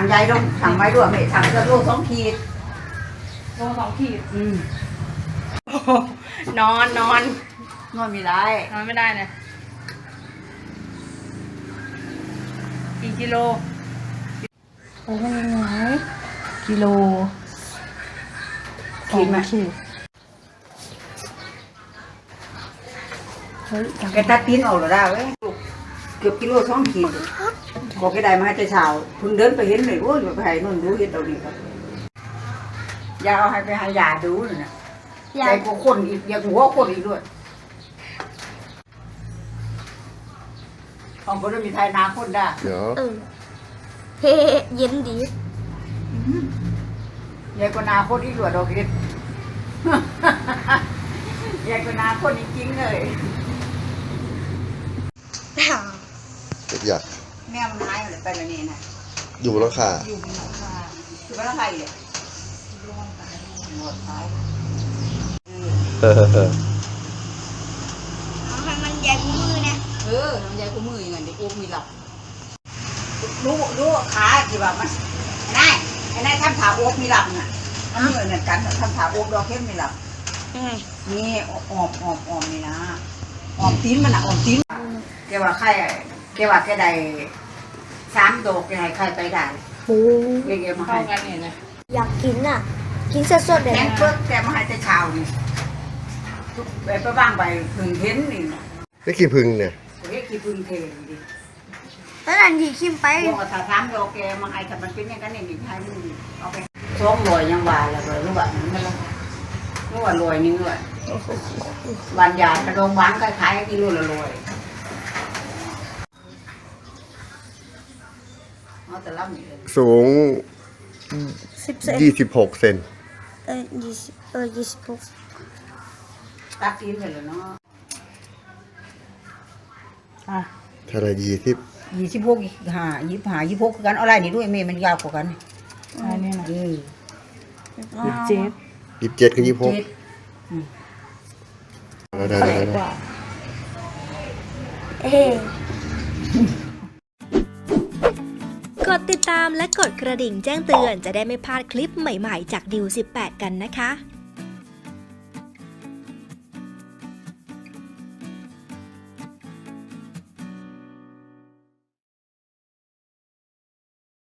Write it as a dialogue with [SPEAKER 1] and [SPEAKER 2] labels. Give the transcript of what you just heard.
[SPEAKER 1] งยายต้องถังไว้ด้วยไม่ถังจะโล2 ขีด
[SPEAKER 2] โล2 ขีดนอน
[SPEAKER 1] ไม่ได้
[SPEAKER 2] นอนไม่ได้เนี่ยกี่กิโลโอ้ยยังไงกิโล
[SPEAKER 1] ขีดไหมแกตัดตีนออกหรอได้เว้ยเกือบกิโล2 ขีดบอกแกได้มาให้แต่เช้าเพิ่งเดินไปเห็นเลยโอ้ยไปให้นู่นดูเห็นเอาดีครับยาเอาให้ไปให้ยาดูเลยนะยายก็คนอีกอยากหัวคนอีกด้วยของคนเรามีไทยนาคนได้
[SPEAKER 3] เดี๋ยว
[SPEAKER 4] เฮ้เย็นดี
[SPEAKER 1] ยายก็นาคนอีกด้วยดอกเห็ดยายก็นาคนจริงเลย
[SPEAKER 3] อยาก
[SPEAKER 1] แม่มันหายเลยไปแล้วนี่นะ
[SPEAKER 3] อยู่แล้วค่ะ
[SPEAKER 1] อยู่บนหลังคาอยู่บนหลังคาเลยหมดท้าย
[SPEAKER 4] ให้มันใหญ่กว่ามือนะ
[SPEAKER 1] ทำยายกูมืออย่างนั้นเด็กกูมีหลับรู้ขาที่ว่ามันไอ้นายทำขาโอ๊กมีหลับน่ะมันเหมือนกันทำขาโอ๊กดอกเข้มมีหลับนี่ออมนี่นะออมตีนมันออมตีนแกว่าใครแกว่าแกได้3 ดอกแกให้ใครไปได้
[SPEAKER 4] โอ้
[SPEAKER 1] แกมาให้
[SPEAKER 2] กันเนี่ยนะ
[SPEAKER 4] อยากกินอ่ะกินสดๆเลย
[SPEAKER 1] แกงเปิ้ลแกมาให้แต่เช้านี่ไปบ้างไปถึงเห็นนี่
[SPEAKER 3] นี่กี่พึ่งเนี่ย
[SPEAKER 1] เฮ้ยกี่พึ่งเทดิ
[SPEAKER 4] แล้วนั่นที่คิมไป
[SPEAKER 1] บอกถ้า3 ดอกแกมาให้ถ้ามันเป็นอย่างนั้นนี่ให้มึงเอาไป200ยังว่าแล้วเลยรู้ว่ามันรู้ว่า100นึงด้วยวันยากระดงบ้านขายกิโลละ100
[SPEAKER 3] สูง26 เซน
[SPEAKER 4] 26
[SPEAKER 1] ตัดตีนไปเลยเนาะ
[SPEAKER 3] เท่าไร
[SPEAKER 1] 26 25คือกันอะไรนี่ด้วยเมย์มันยาวกว่ากัน
[SPEAKER 2] อันนี้นะ
[SPEAKER 3] 27กับ26ได้
[SPEAKER 5] กดติดตามและกดกระดิ่งแจ้งเตือนจะได้ไม่พลาดคลิปใหม่ๆจากดิว18กันนะคะ